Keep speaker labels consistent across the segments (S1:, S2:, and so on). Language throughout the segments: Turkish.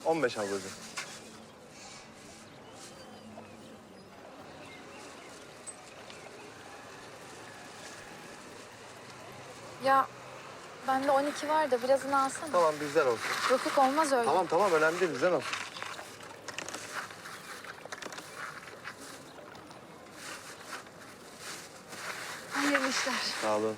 S1: 15 ablacığım.
S2: Ya bende 12 var da birazını alsana.
S1: Tamam bizden olsun.
S2: Yok yok olmaz öyle.
S1: Tamam önemli değil bizden olsun.
S2: Hayırlı işler.
S1: Sağ olun.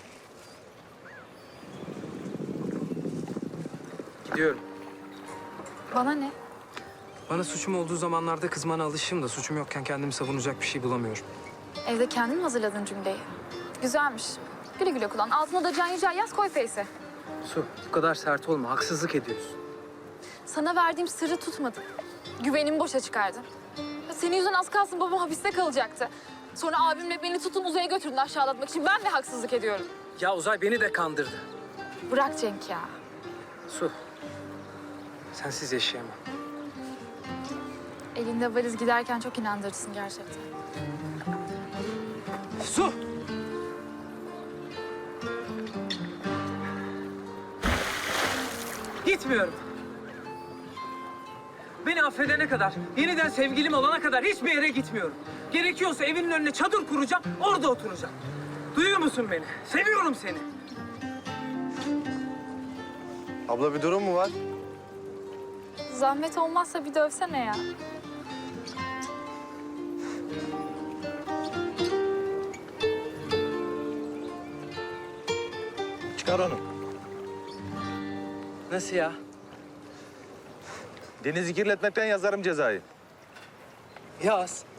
S3: Gidiyorum.
S2: Bana ne?
S3: Bana suçum olduğu zamanlarda kızmana alışığım da suçum yokken kendimi savunacak bir şey bulamıyorum.
S2: Evde kendin mi hazırladın cümleyi? Güzelmiş. Güle güle kullan. Altına da Can Yücel yaz koy face'e.
S3: Su, bu kadar sert olma. Haksızlık ediyorsun.
S2: Sana verdiğim sırrı tutmadın. Güvenimi boşa çıkardın. Ya senin yüzünden az kalsın babam hapiste kalacaktı. Sonra abimle beni tutun uzaya götürdün aşağılatmak için. Ben de haksızlık ediyorum.
S3: Ya Uzay beni de kandırdı.
S2: Bırak Cenk ya.
S3: Su, sensiz yaşayamam.
S2: Elinde valiz giderken çok inandırıcısın gerçekten.
S3: Su! Gitmiyorum. Beni affedene kadar, yeniden sevgilim olana kadar hiçbir yere gitmiyorum. Gerekiyorsa evinin önüne çadır kuracağım, orada oturacağım. Duyuyor musun beni? Seviyorum seni.
S1: Abla bir durum mu var?
S2: Zahmet olmazsa bir dövsene ya.
S4: Çıkar onu.
S3: Nasıl ya?
S4: Denizi kirletmekten yazarım cezayı.
S3: Yaz.